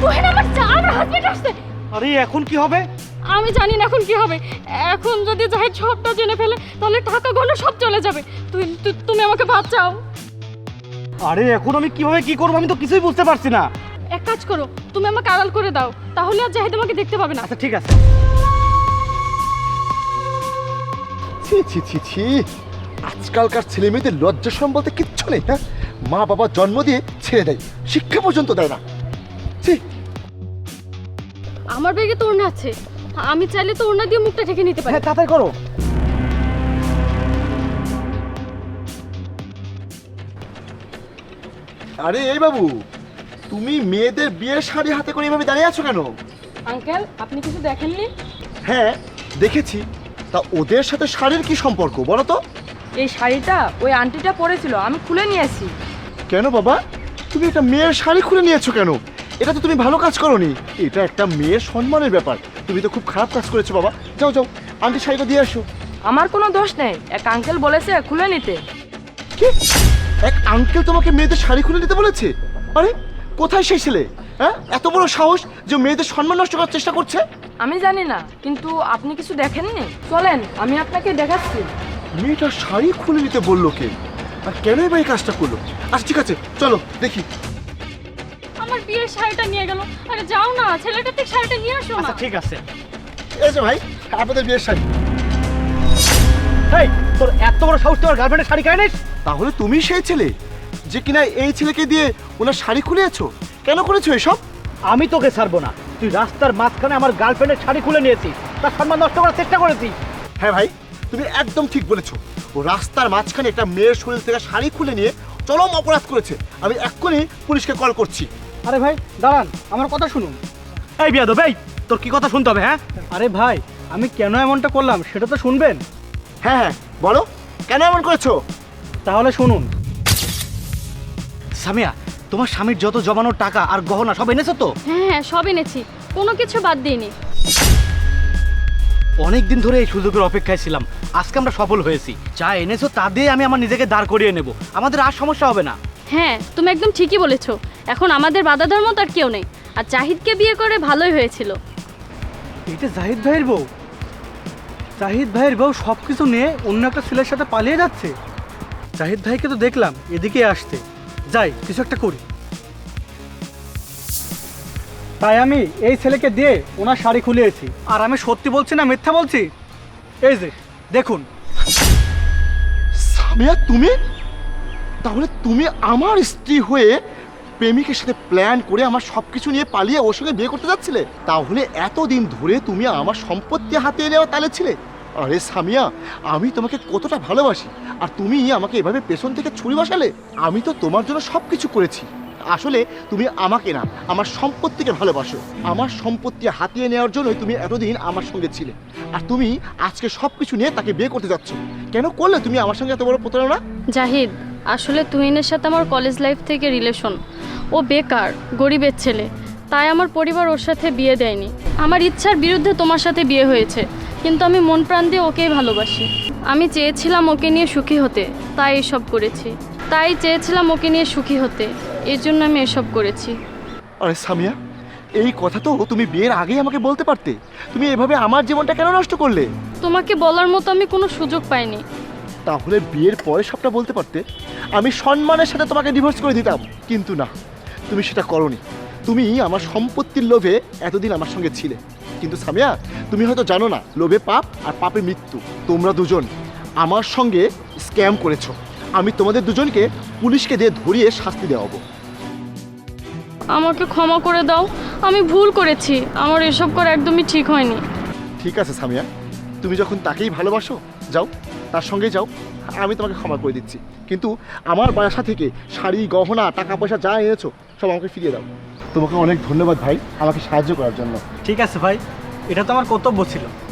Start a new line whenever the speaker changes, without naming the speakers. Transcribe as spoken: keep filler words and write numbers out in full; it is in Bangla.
তুহিন আমার যা আমার হাজবেন্ড আসছে।
আরে এখন কি হবে?
আমি জানি না এখন কি হবে। এখন যদি জাহিদ সবটা জেনে ফেলে তাহলে টাকা গহনা সব চলে যাবে। তুই তু- তুমি আমাকে বাঁচাও।
আরে এখন আমি কিভাবে কি করবো আমি তো কিছুই বুঝতে পারছি না।
এক কাজ করো, তুমি আমাকে আড়াল করে দাও, তাহলে আর জাহিদ আমাকে দেখতে পাবে না।
আচ্ছা ঠিক আছে।
ছি ছি ছি ছি, আজকালকার ছেলে মেয়েদের লজ্জা শরম বলতে কিচ্ছু নেই। হ্যাঁ, মা বাবা জন্ম দিয়ে ছেড়ে দেয়, শিক্ষা পর্যন্ত দেয় না। ছি।
আমার ব্যাগে তো ওড়না আছে, আমি চাইলে তো ওড়না দিয়ে মুখটা ঢেকে নিতে পারি।
হ্যাঁ তাড়াতাড়ি করো।
আরে এই বাবু, তুমি মেয়েদের বিয়ের শাড়ি হাতে করে এভাবে দাঁড়িয়ে আছো কেন?
আঙ্কেল, আপনি কিছু দেখেননি?
হ্যাঁ দেখেছি, তা ওদের সাথে শাড়ির কি সম্পর্ক বলো তো?
এই শাড়িটা ওই আন্টিটা পরেছিল, আমি খুলে নিয়েছি।
কেন বাবা, তুমি একটা মেয়ের শাড়ি খুলে নিয়েছো কেন? এটা তো তুমি ভালো কাজ করোনি, এটা একটা মেয়ের সম্মানের ব্যাপার। তুমি তো খুব খারাপ কাজ করেছো বাবা। যাও যাও, আন্টি শাড়িটা দিয়ে আসো।
আমার কোনো দোষ নেই, এক আঙ্কেল বলেছে খুলে নিতে।
কি, এক আঙ্কেল তোমাকে মেয়েদের শাড়ি খুলে দিতে বলেছে? আরে কোথায় সেই ছেলে? হ্যাঁ, এত বড় সাহস যে মেয়েদের সম্মান নষ্ট করার চেষ্টা করছে।
আমি জানি না, কিন্তু আপনি কিছু দেখেননি? চলেন আমি আপনাকে দেখাচ্ছি।
মেয়েটা শাড়ি খুলে নিতে বললো কে, আর কেনই বা এই কাজটা করলো? আচ্ছা ঠিক আছে, চলো দেখি।
আমার বিয়ের শাড়িটা নিয়ে গেল। আরে যাও না, ছেলেটার থেকে শাড়িটা নিয়ে আসো না।
আচ্ছা ঠিক আছে।
এই যে ভাই, আপনাদের বিয়ের শাড়ি।
এই তোর এত বড় সাহস তোর গার্লফ্রেন্ডের শাড়ি কেন নিস?
তাহলে তুমি সেই ছেলে যে কিনা এই ছেলেকে দিয়ে ওনার শাড়ি খুলেছো? কেন করেছো এসব?
আমি তোকে ছাড়বো না। তুই রাস্তার মাঝখানে আমার গার্লফ্রেন্ডের শাড়ি খুলে নিয়েছিস, তার সম্মান নষ্ট করার চেষ্টা করেছিস।
হ্যাঁ ভাই, তুমি একদম ঠিক বলেছো। ও রাস্তার মাঝখানে একটা মেয়ের শরীর থেকে শাড়ি খুলে নিয়ে চরম অপরাধ করেছে। আমি এক্ষুনি পুলিশকে কল করছি।
আরে ভাই দাঁড়ান, আমার কথা শুনুন।
এই বিয়াদব, এই তোর কি কথা শুনতে হবে? হ্যাঁ
আরে ভাই, আমি কেন এমনটা করলাম সেটা তো শুনবেন।
হ্যাঁ হ্যাঁ বলো, কেন এমন করেছো?
তাহলে শুনুন।
সামিয়া, তোমার স্বামীর যত জমানোর টাকা আর গহনা সব এনেছো তো?
হ্যাঁ হ্যাঁ, সব এনেছি, কোনো কিছু বাদ দিইনি।
অনেক দিন ধরে এই সুযোগের অপেক্ষায় ছিলাম, আজকে আমরা সফল হয়েছি। যা এনেছো তা দিয়ে আমি আমার নিজেকে দাঁড় করিয়ে নেব, আমাদের আর সমস্যা হবে না।
হ্যাঁ, তুমি একদম ঠিকই বলেছো। এখন আমাদের বাধা ধর্ম তার কেউ নেই। আর জাহিদকে বিয়ে করে ভালোই হয়েছিল।
এটা জাহিদ ভাইয়ের বউ? জাহিদ ভাইয়ের বউ সব কিছু নিয়ে অন্য একটা ছেলের সাথে পালিয়ে যাচ্ছে। জাহিদ ভাইকে তো দেখলাম এদিকে আসতে, যাই কিছু একটা করি। তাই আমি এই ছেলেকে দিয়ে ওনার শাড়ি খুলিয়েছি। আর আমি সত্যি বলছি না মিথ্যা বলছি? এই যে দেখুন।
সামিয়া, তুমি তাহলে তুমি আমার স্ত্রী হয়ে প্রেমিকের সাথে প্ল্যান করে আমার সব কিছু নিয়ে পালিয়ে ওর সঙ্গে বিয়ে করতে যাচ্ছিলে? তাহলে এতদিন ধরে তুমি আমার সম্পত্তি হাতে নেওয়া তালে ছিলে? আরে সামিয়া, আমি তোমাকে কতটা ভালোবাসি, আর তুমি আমাকে এভাবে পেছন থেকে ছুরি বসালে? আমি তো তোমার জন্য সব কিছু করেছি। আসলে তুমি আমাকে না, আমার সম্পত্তিকে ভালোবাসো। আমার সম্পত্তি হাতিয়ে নেওয়ার জন্যই তুমি এতদিন আমার সঙ্গে ছিলে, আর তুমি আজকে সব কিছু নিয়ে তাকে বিয়ে করতে যাচ্ছ। কেন করলে তুমি আমার সঙ্গে এত বড় প্রতারণা?
জাহিদ, আসলে তুহিনের সাথে আমার কলেজ লাইফ থেকে রিলেশন। ও বেকার, গরিবের ছেলে, তাই আমার পরিবার ওর সাথে বিয়ে দেয়নি। আমার ইচ্ছার বিরুদ্ধে তোমার সাথে বিয়ে হয়েছে, কিন্তু আমি মন প্রাণ দিয়ে ওকেই ভালোবাসি। আমি চেয়েছিলাম ওকে নিয়ে সুখী হতে, তাই এসব করেছি। তাই চেয়েছিলাম ওকে নিয়ে সুখী হতে, এর জন্য আমি এসব করেছি।
আরে সামিয়া, এই কথা তো তুমি বিয়ের আগেই আমাকে বলতে পারতে। তুমি এভাবে আমার জীবনটা কেন নষ্ট করলে?
তোমাকে বলার মতো আমি কোনো সুযোগ পাইনি।
তাহলে বিয়ের পরে সবটা বলতে পারতে, আমি সম্মানের সাথে তোমাকে ডিভোর্স করে দিতাম। কিন্তু না, তুমি সেটা করোনি। তুমি আমার সম্পত্তির লোভে এতদিন আমার সঙ্গে ছিলে। কিন্তু সামিয়া, তুমি হয়তো জানো না, লোভে পাপ আর পাপে মৃত্যু। তোমরা দুজন আমার সঙ্গে স্ক্যাম করেছো। আমি তোমাদের দুজনকে পুলিশকে দিয়ে ধরিয়ে শাস্তি দেওয়াবো।
আমাকে ক্ষমা করে দাও, আমি ভুল করেছি। আমার এসব করা একদমই ঠিক হয়নি।
ঠিক আছে সামিয়া, তুমি যখন তাকেই ভালোবাসো, যাও তার সঙ্গে যাও, আমি তোমাকে ক্ষমা করে দিচ্ছি। কিন্তু আমার বাসা থেকে শাড়ি, গহনা, টাকা পয়সা যা এনেছো সব আমাকে ফিরিয়ে দাও। তোমাকে অনেক ধন্যবাদ ভাই, আমাকে সাহায্য করার জন্য।
ঠিক আছে ভাই, এটা তো আমার কর্তব্য ছিল।